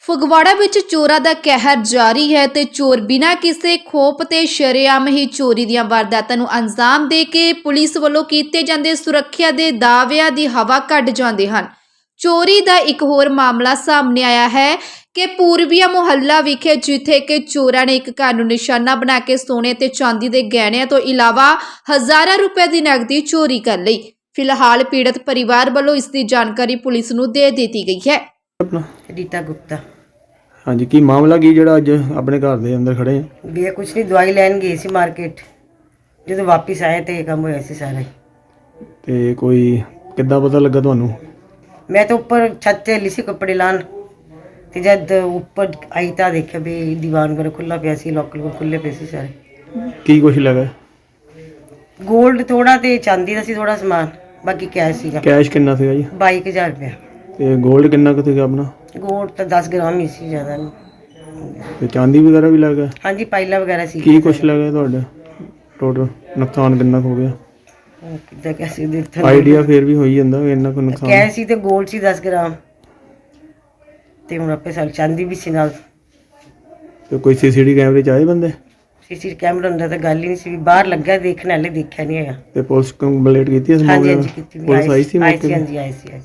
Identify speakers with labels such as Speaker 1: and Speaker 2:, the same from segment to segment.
Speaker 1: ਫਗਵਾੜਾ ਵਿੱਚ ਚੋਰਾਂ ਦਾ ਕਹਿਰ ਜਾਰੀ ਹੈ ਤੇ ਚੋਰ ਬਿਨਾਂ ਕਿਸੇ ਖੋਪ ਤੇ ਸ਼ਰੇਆਮ ਹੀ ਚੋਰੀ ਦੀਆਂ ਵਾਰਦਾਤਾਂ ਨੂੰ ਅੰਜਾਮ ਦੇ ਕੇ ਪੁਲਿਸ ਵੱਲੋਂ ਕੀਤੇ ਜਾਂਦੇ ਸੁਰੱਖਿਆ ਦੇ ਦਾਅਵਿਆਂ ਦੀ ਹਵਾ ਕੱਢ ਜਾਂਦੇ ਹਨ। ਚੋਰੀ ਦਾ ਇੱਕ ਹੋਰ ਮਾਮਲਾ ਸਾਹਮਣੇ ਆਇਆ ਹੈ ਕਿ ਪੂਰਬੀਆ ਮੁਹੱਲਾ ਵਿਖੇ ਜਿੱਥੇ ਕਿ ਚੋਰਾਂ ਨੇ ਇੱਕ ਘਰ ਨੂੰ ਨਿਸ਼ਾਨਾ ਬਣਾ ਕੇ ਸੋਨੇ ਤੇ ਚਾਂਦੀ ਦੇ ਗਹਿਣਿਆਂ ਤੋਂ ਇਲਾਵਾ ਹਜ਼ਾਰਾਂ ਰੁਪਏ ਦੀ ਨਕਦੀ ਚੋਰੀ ਕਰ ਲਈ। ਫਿਲਹਾਲ ਪੀੜਤ ਪਰਿਵਾਰ ਵੱਲੋਂ ਇਸ ਦੀ ਜਾਣਕਾਰੀ ਪੁਲਿਸ ਨੂੰ ਦੇ ਦਿੱਤੀ ਗਈ ਹੈ।
Speaker 2: अपना
Speaker 3: रीता गुप्ता
Speaker 2: हाँ जी की मामला की जड़ा अज अपने घर दे अंदर खड़े हैं
Speaker 3: भैया कुछ नहीं दवाई लैन गई सी मार्केट जो वापिस आए तो ये काम होया सी सारा
Speaker 2: ते कोई किद्दां पता लगा तुहानू?
Speaker 3: मैं तो ऊपर छत ते हली सी कपड़े लान ते जद ऊपर आई तो देखा भी दीवान वगैरह खुला पिया सी लॉकर खुले पे सी सारे
Speaker 2: की कुछ लगा?
Speaker 3: गोल्ड थोड़ा ते चांदी दा सी थोड़ा समान बाकी कैश सीगा।
Speaker 2: कैश किन्ना सीगा जी?
Speaker 3: 22,000 रुपया।
Speaker 2: ते गोल्ड किन्ना क सीगा अपना?
Speaker 3: गोल्ड तो 10 ग्राम ही सी ज़्यादा नहीं।
Speaker 2: ते चांदी वगैरह भी लगा?
Speaker 3: हाँ जी पाइला वगैरह सी।
Speaker 2: की कुछ लगा तुहाडे? टोटल नुकसान किन्ना हो गया?
Speaker 3: किद्दां कैसे देखता
Speaker 2: आइडिया फिर भी होई जंदा इन्ना को नुकसान।
Speaker 3: कैश सी ते गोल्ड सी 10 ग्राम ते हुण आपे सारी चांदी भी सी नाल।
Speaker 2: ते कोई सीसीटीवी कैमरे च आए बंदे?
Speaker 3: सीसी कैमरा हुंदा तां गल ही नहीं सी बाहर लग्गा देखने वाले देखा नहीं है।
Speaker 2: ते पुलिस कंप्लेंट कीती इस
Speaker 3: हाँ जी
Speaker 2: मामले
Speaker 3: हाँ
Speaker 2: में?
Speaker 3: जी कीती
Speaker 2: पुलिस आई सी
Speaker 3: हाँ
Speaker 2: मौके
Speaker 3: जी
Speaker 2: ते?
Speaker 3: आई सी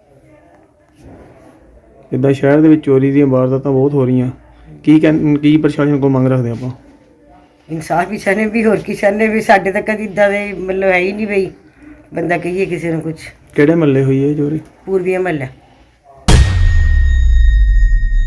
Speaker 2: इदां शहर दे विच चोरी ਦੀਆਂ ਵਾਰਦਾਤਾਂ ਬਹੁਤ ਹੋ ਰਹੀਆਂ ਕੀ ਪ੍ਰਸ਼ਾਸਨ ਕੋ ਮੰਗ ਰੱਖਦੇ ਆਪਾਂ?
Speaker 3: इंसाफ ही चाहने भी होर की चाहने भी साडे तक कदी इदां दे मतलब है ही नहीं बई बंदा कहिए किसी ने कुछ
Speaker 2: ਕਿਹੜੇ ਮਹੱਲੇ ਹੋਈ ਹੈ ਚੋਰੀ?
Speaker 3: पूर्वी महल्ला